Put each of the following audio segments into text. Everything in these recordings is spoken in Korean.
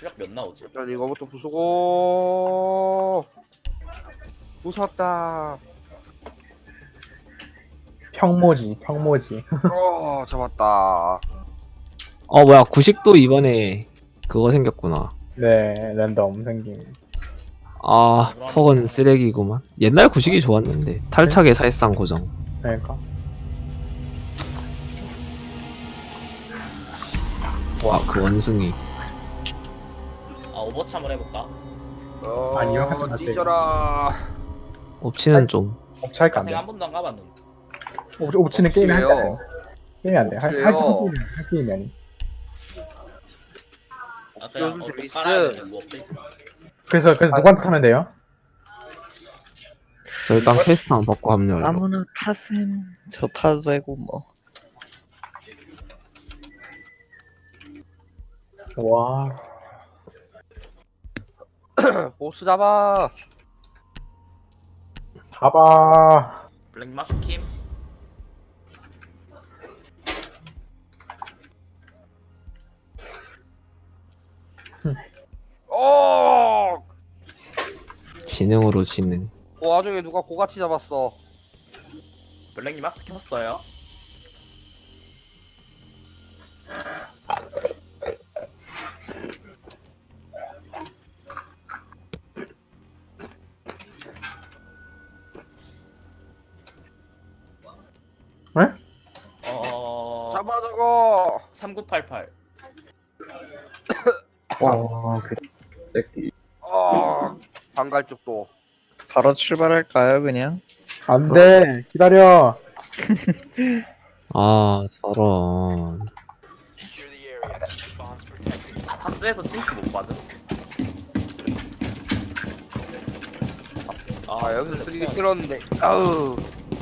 출력 몇 나오지? 일단 이거부터 부수고 부쉈다. 평모지. 잡았다. 뭐야 구식도 이번에 그거 생겼구나. 네, 랜덤 생김. 퍽은 쓰레기구만. 옛날 구식이 좋았는데 탈착의 사실상 고정. 그러니까. 그 원숭이. 오버워치 한번 해볼까? 아니요, 하지 마세요. 뒤져라. 옵치는 좀. 업체할까 안 야생 돼. 한 번도 안 가봤는데. 옵치는 게임이 할 때 안 돼요. 게임이 안 돼. 업체요. 할 게임이 아니. 그냥 요즘 어떻게 재밌어. 깔아야 되냐 뭐 없지? 그래서 누구한테 타면 돼요? 저 일단 퀘스트 안 받고 합류하려고. 아무나 타셈. 저 타도 되고 뭐. 와. 보스 잡아. 잡아. 블랙 마스킴? 어. 지능으로 지능. 그 와중에 누가 고가치 잡았어. 블랙님 마스 켰어요? 네? 잡아 저거. 3988 와, 방갈죽도. 바로 출발할까요, 그냥? 안 돼. 기다려. 저런. 파스에서 칭치 못 받음? 여기서 쓰기 싫었는데. 아우.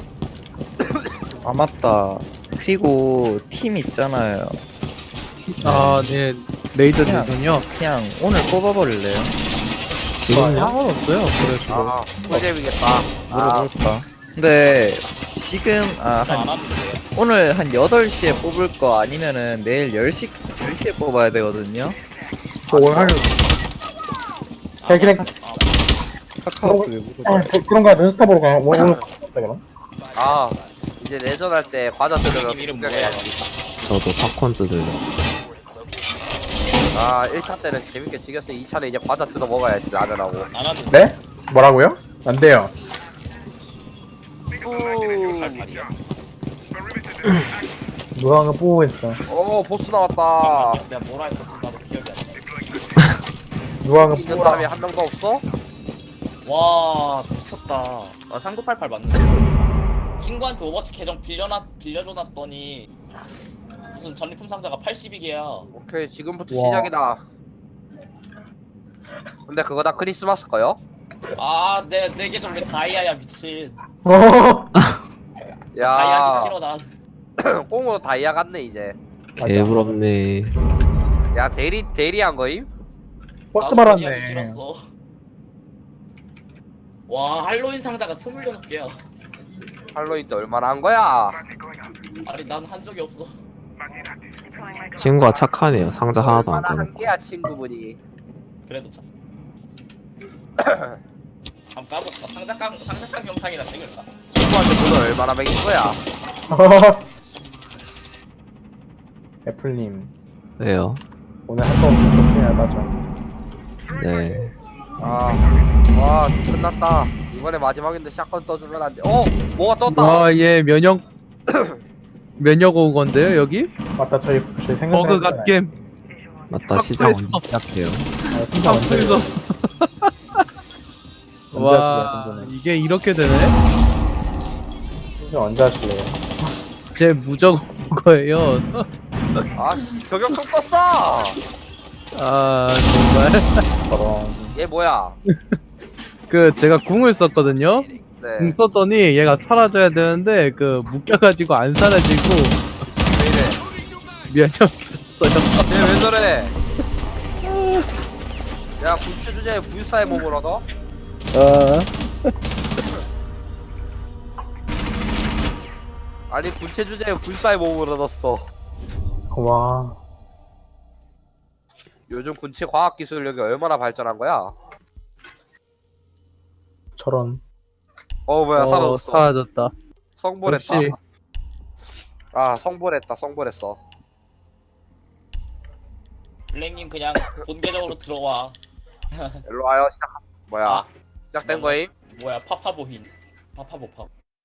아, 맞다. 그리고 팀 있잖아요. 네. 레이더 대전이요? 그냥 오늘 뽑아버릴래요? 지금 상관없어요. 그래서 꿀잼이겠다. 물어볼까? 근데 지금 안 한 왔는데. 오늘 한 8시에 뽑을 거 아니면은 내일 10시에 뽑아야 되거든요. 오늘 하려. 그냥 카카오톡에 물어봐. 그런 거 눈스타 보러 가. 오늘 그럼. 이제 내전할 때 바다 들으면서 이름 구경해야지. 저도 팝콘 뜯으려. 1차 때는 재밌게 즐겼어. 2차는 이제 바다 뜯어 먹어야지 라면하고. 안 왔는데. 네? 뭐라고요? 안 돼요. 88이야. 누가 거 뽑고 있어. 보스 나왔다. 내가 뭐라 했었지? 나도 기억이 안 나. 누가 거 있는 뽑아. 사람이 한 명도 없어? 와 미쳤다. 3988 맞는데? 친구한테 오버워치 계정 빌려줘놨더니 무슨 전리품 상자가 82개야. 오케이, 지금부터 와. 시작이다. 근데 그거 다 크리스마스 거요? 내 계정 왜 다이아야 미친. 다이아기 야, 싫어 난. 꽁으로 다이아 같네 이제. 개부럽네. 야, 대리한 거임? 버스 나도 다이아기 말았네. 싫었어. 와 할로윈 상자가 26개야. 할로윈 때 얼마나 한 거야? 아니 난 한 적이 없어. 친구가 착하네요. 상자 하나도 안 얼마나 한 꺼놓고. 개야 친구분이. 그래도 참. 한번 까볼까? 상자깡 영상이나 찍을까? 친구한테 돈을 얼마나 먹인 거야? 애플님 왜요? 오늘 할 거 없이 복싱하다죠. 네. 와, 끝났다. 이번에 마지막인데 샷건 떠주면 안 돼. 뭐가 떴다. 얘 면역 오건데요, 여기? 맞다 저희 생각. 버그 갓겜. 맞다 시작 언제 삭제했어. 시작해요? 삭제해서. 와, 이게 이렇게 되네? 언제 하실래요? 제 무적 거예요. 씨, 저격총 떴어. 정말. 저런. 얘 뭐야? 제가 궁을 썼거든요? 네. 궁 썼더니 얘가 사라져야 되는데, 묶여가지고 안 사라지고, 왜 이래? 면역이 썼어요. 얘 왜 저래? 야, 군체 주제에 불사의 몸을 얻어? 아니, 군체 주제에 불사의 몸을 얻었어. 와. 요즘 군체 과학 기술력이 얼마나 발전한 거야? 저런. 뭐야 사라졌어. 사라졌다. 성불했다. 역시 아 성불했다. 성불했어. 블랙님 그냥 본계적으로 들어와. 일로 와요. 시작. 뭐야? 아. 시작된 거임? 뭐야 파파보힌. 파파보파.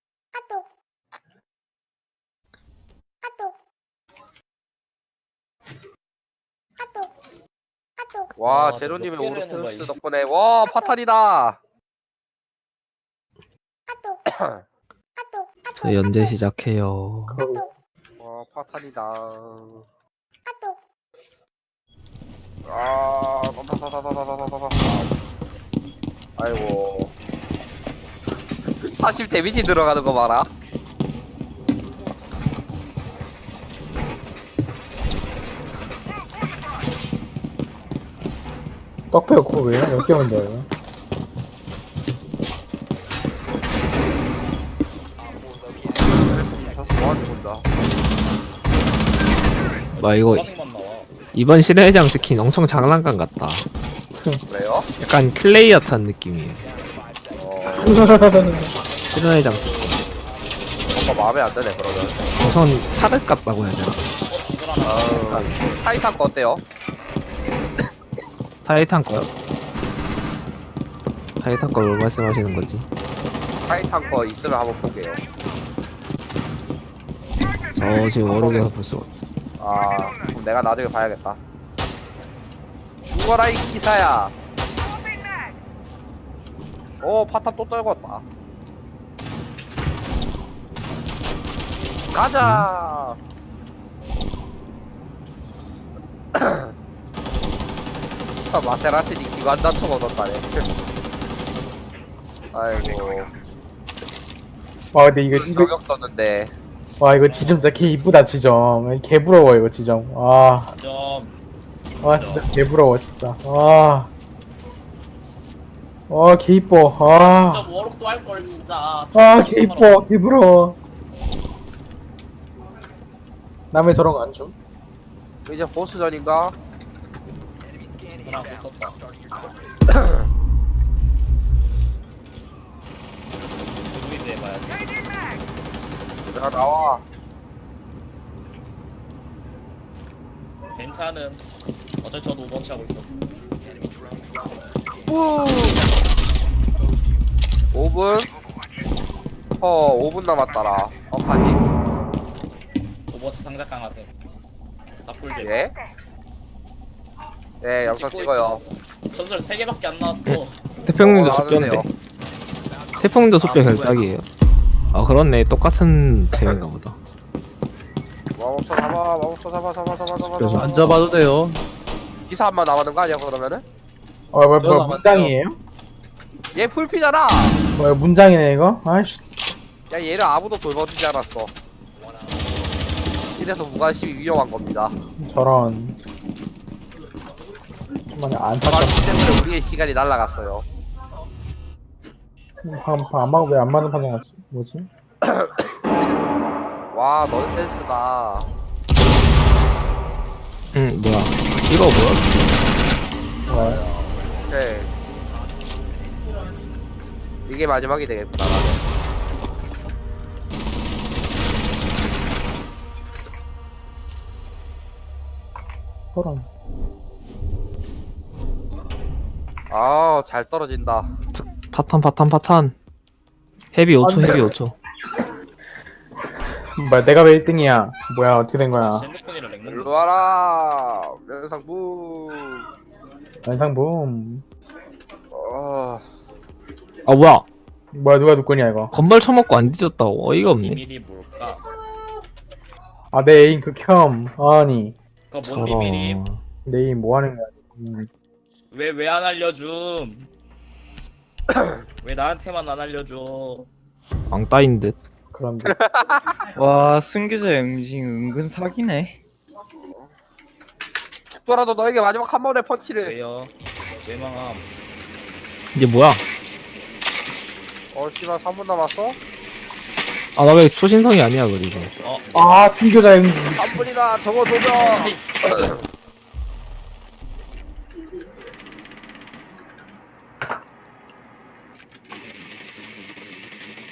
와 와, 제로님의 저몇 개를 하는 오르페우스 거야, 덕분에 와 파탄이다. 저 연재 시작해요. 와 파탄이다. 아 다다다다다다다다. 아이고. 사실 데미지 들어가는 거 봐라. 떡배가 그거 왜요? 몇 개면 돼요? 뭐하는 건다. 와, 이거 보라색만 나와. 이번 실내장 스킨 엄청 장난감 같다. 그래요? 약간 클레이어 탄 느낌이에요. 실내장 뭔가 마음에 안 드네 그러면. 우선 차를 같다고 해야 되나? 타이탄 거 어때요? 타이탄 거요? 타이탄 거뭘 말씀하시는 거지? 타이탄 거 있으면 한번 볼게요. 저 지금 워록에서 볼 수가 없어. 아 그럼 내가 나중에 봐야겠다. 죽어라 이 기사야. 오 파탄 또 떨궜다. 가자. 마세라티니 기관 단총 얻었다네. 아이고 와 근데 이거 저격 썼는데. 와 이거 지점 진짜 개 이쁘다 지점. 개 부러워 이거 지점. 좀 와 진짜 개 부러워 진짜. 개 이뻐. 진짜 워록도 할 걸 진짜. 개 이뻐. 개 부러워. 남의 저런 거 안 줌? 이제 보스전인가? 사람 붙었다. 누구인데 해봐야지. 야 나와. 괜찮음. 어차피 저도 오버워치 하고 있어. 5분? 5분 남았더라. 어파지? 오버워치 상작강 하세요. 잡골제. 예? 네, 영상 찍고 찍어요. 전설 3개밖에 안 나왔어. 태평님도 나왔는데요. 숲변데 태평도 숲변 결작이에요. 아 그렇네, 똑같은 템인가 보다. 마법사 잡아, 마법사 잡아. 그래서 안 잡아도 돼요. 기사 한 번 남았는 거 아니야, 그러면은? 뭐 저는 문장이에요? 얘 풀피잖아! 뭐야 문장이네 이거? 아이씨. 야, 얘를 아무도 돌봐주지 않았어. 이래서 무관심이 위험한 겁니다. 저런. 정말 안 탔다. 무관심 때문에 우리의 시간이 날아갔어요. 방금 왜안 맞는 판정 같지? 뭐지? 와, 넌센스다. 뭐야? 이거 뭐야? 뭐야? 오케이. 이게 마지막이 되겠구나, 나는. 저런. 아, 잘 떨어진다. 파탄. 헤비 5초, 헤비 5초. 뭐야 내가 왜 1등이야? 뭐야 어떻게 된 거야? 핸드폰이랑 렉 일로 와라! 면상부! 연상붐. 아 뭐야? 뭐야 누가 누구냐 이거? 건발 쳐먹고 안 뒤졌다고. 어이가 없네. 비밀이 뭘까? 내 애인 극혐. 아니 그거 뭔 비밀임? 내 애인 뭐 하는 거야? 왜 안 알려줌? 왜 나한테만 안 알려줘? 왕따인 듯. 그런데 와 승기자 영징 은근 사기네. 죽더라도 너에게 마지막 한 번의 펀치를. 왜요? 왜 망함? 이게 뭐야? 씨발 3분 남았어? 아 나 왜 초신성이 아니야 그리고. 승교자 형 3분이다 저거 도전. 나이스.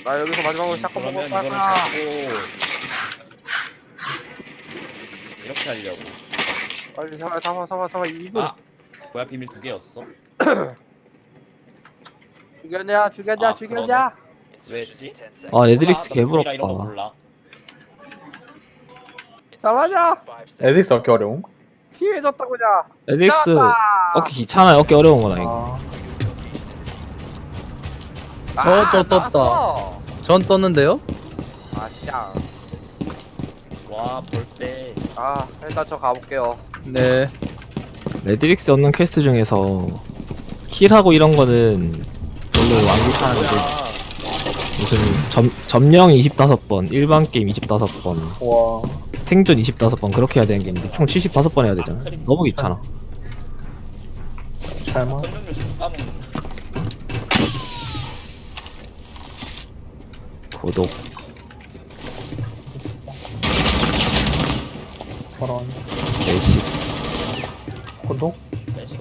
나 여기서 마지막으로 샷건 그러면 먹을 이거를 거야. 잡고 이렇게 하려고. 빨리 잡아 2분. 아 뭐야 비밀 2개였어? 죽였냐 아, 죽였냐. 왜 했지? 아 레드릭스 몰라, 나 비밀이라 이런 거 개부럽다. 몰라. 잡아줘. 에디스 얻기 어려움. 피해졌다 그냥. 레드릭스 나왔다. 얻기 귀찮아요. 얻기 어려운 거다 이거. 떴다. 나왔어. 전 떴는데요? 아샹. 와 볼때 아 일단 저 가볼게요. 네. 레드릭스 얻는 퀘스트 중에서 킬하고 이런 거는 별로 안 귀찮은데 뭐야? 무슨 점령 25번, 일반 게임 25번, 와. 생존 25번 그렇게 해야 되는 게 있는데 총 75번 해야 되잖아. 너무 귀찮아. 잘만. 선정률 자꾸 까먹는. 고독. 저런. 레시. 고독. 내식.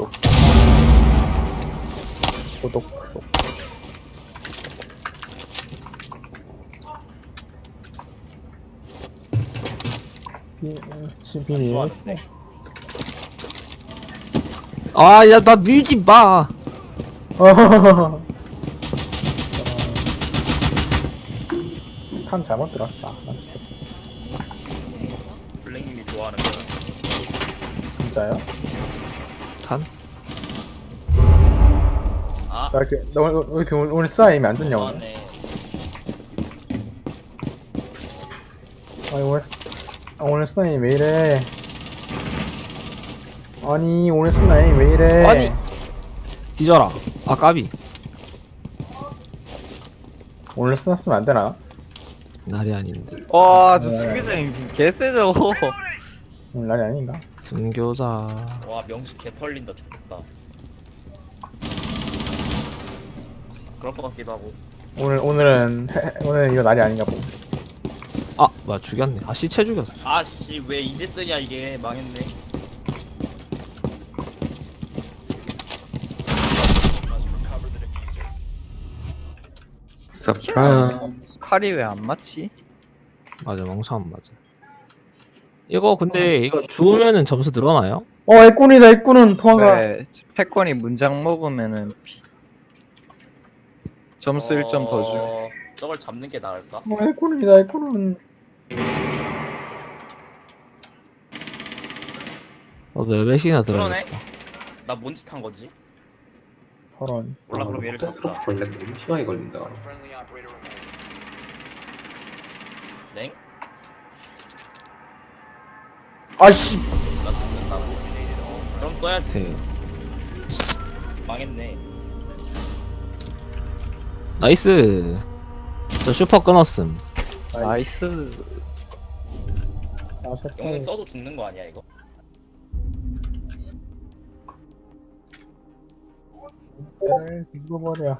고독. 비밀. 좋아하는데. 아, 야, 나 밀지 마. 탄 잘못 들었다. 난 진짜 블랙님이 좋아하는 거. 진짜요? 탄? 아 나 이렇게 너 왜 이렇게 오늘 스나임이 안 좋냐 오늘? 좋아하네. 아니 오늘 스나임 왜 이래? 아니 오늘 스나임 왜 이래? 아니. 뒤져라. 아, 까비. 오늘 스나 쓰면 안 되나? 날이 아닌데. 와저 수기장 개쎄죠. 오늘 날이 아닌가? 순교자. 와 명식 개 털린다 좋겠다. 그럴 것 같기도 하고. 오늘은 이거 날이 아닌가 보. 아, 뭐야, 죽였네. 아, 시체 죽였어. 아씨 왜 이제 뜨냐 이게 망했네. 칼이 왜 안 맞지? 맞아, 멍청한 맞아. 이거 근데 이거 죽으면은 점수 늘어나요? 애꾼이다 애꾼은 도망가. 네, 패권이 문장 먹으면은 점수 1점 더 줘. 저걸 잡는 게 나을까? 애꾼이다 애꾼은. 너도 몇 몇이나 그러네. 들어야겠다. 나 뭔 짓 한 거지? 저런. 몰라 그럼 얘를 잡자. 벌레 너무 심하게 걸린다. 넹? 아씨. 나 죽는다고? 그럼 써야지. 네. 망했네. 나이스. 저 슈퍼 끊었음. 나이스. 영웅 써도 죽는 거 아니야 이거? 죽어버려.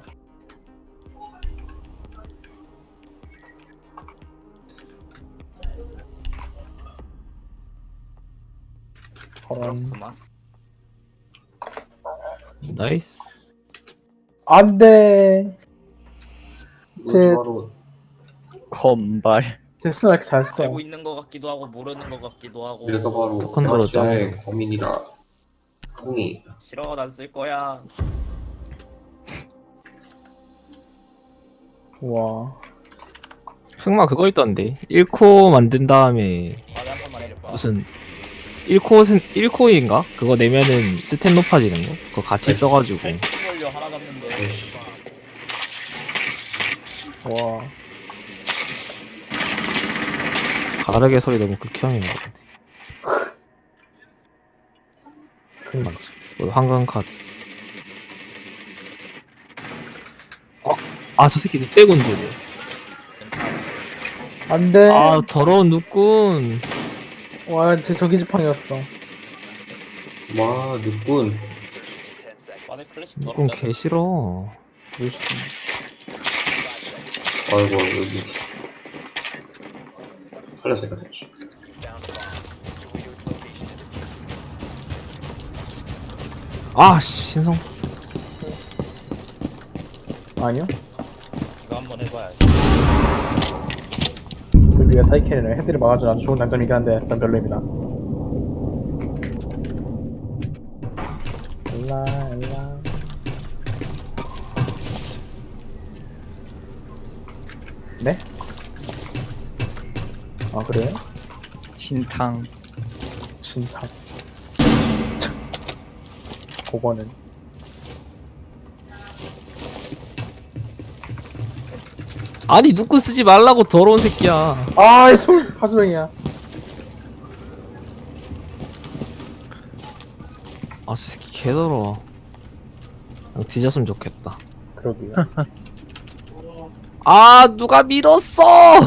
저런. 그렇구만. 나이스. 안돼. 제 바로 건발. 제 스나 이렇게 잘 써. 알고 있는 거 같기도 하고 모르는 거 같기도 하고. 내가 바로 토큰 걸어 아시아의 범인이다. 흥이 싫어 난 쓸 거야. 와. 흑마 그거 있던데. 1코 만든 다음에 말을 한 번만 해줄 거야. 무슨 1코인가? 그거 내면은 스탯 높아지는 거? 그거 같이 써가지고. 걸려 하나 잡는데. 와. 가르게 소리 너무 극혐인 것 같아. 맞아. 뭐 황금 카드. 아, 저 새끼 늑대군 줄. 안돼. 아, 더러운 늑군. 와, 제 저기 지팡이였어. 와 눈꾼 마늘 클래식 늑군 더럽다. 개 싫어. 아이고 여기 칼라색가 됐지. 아, 씨, 신성. 아니요? 이거 한번 해봐야지. 불비가 사이켄이랑 헤드를 막아주는 아주 좋은 장점이긴 한데 전 별로입니다. 엘라 엘라. 네? 아 그래? 진탕. 진탕. 그거는 아니 누구 쓰지 말라고 더러운 새끼야. 아이 솔 하수병이야. 아 저 새끼 개더러워. 그냥 뒤졌으면 좋겠다. 그러게요. 아 누가 밀었어.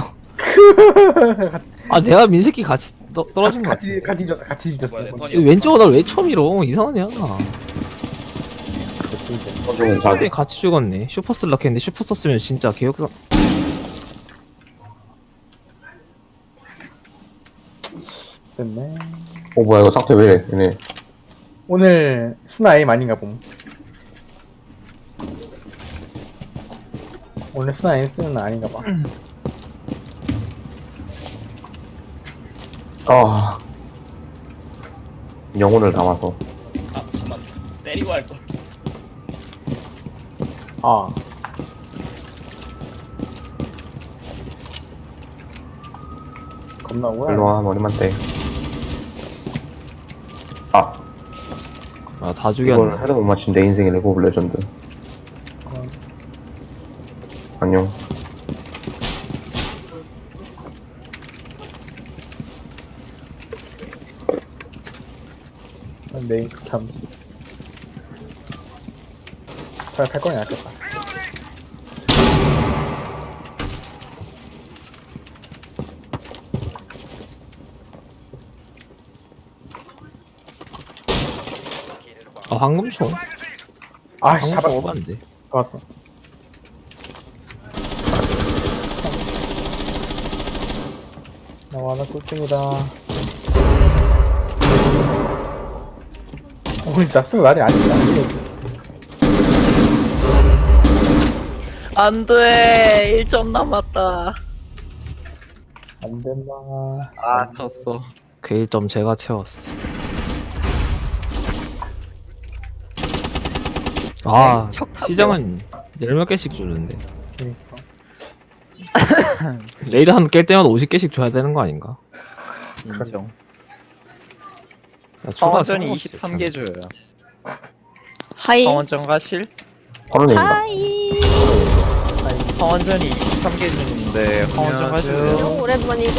아 내가 민 새끼 같이 떨어진 거 같아. 같이 뒤졌어. 같이 뒤졌어. 뭐야, 내 턴이 왼쪽으로 날 왜 처음 밀어. 이상하냐. 서중은 자기. 왜 같이 죽었네. 슈퍼 슬럭 했는데 슈퍼 썼으면 진짜 개혁상. 됐네. 뭐야 이거 상태 왜 얘네. 오늘 스나임 아닌가 봄. 오늘 스나임 쓰는 날 아닌가 봐. 아 영혼을 담아서. 아 잠만 때리고 할 걸. 아. 겁나 오야. 일로와 머리만 떼. 아 아다 이걸 죽였네. 해도 못 맞춘 내 인생의 레고 오브 레전드. 안녕. 메인 함수. 차라리 팔 거니 낫겠다. 아 황금총. 아씨 황금총 잡았어. 오반데. 잡았어. 나와 나 꿀등이다. 오늘 진짜 쓰는 날이 아니다. 안돼 1점 남았다. 안 된다. 아 졌어. 그 1점 제가 채웠어. 아 시장은 10몇 개씩 주는데 그러니까. 레이드 한 깰 때마다 50개씩 줘야 되는 거 아닌가? 인정. 야, 추가 황원전이 상관없지, 23개 줘요. 하이. 황원전 가실? 허런입니다. 하이. 황원전이 23개 주는데 황원전 가실래요? 너무 오랜만이고.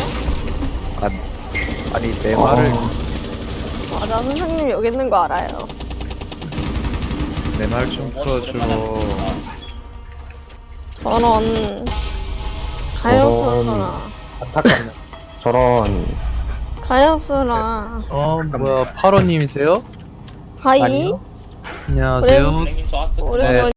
아니 내 말을 맞아, 선생님 여기 있는 거 알아요. 내 말 좀 풀어줘. 저런 가엾어라. 안타깝네. 저런 가엾어라. 뭐야 파로님이세요? 하이. 아니요. 안녕하세요. 선생님 좋았어. 오랜만에.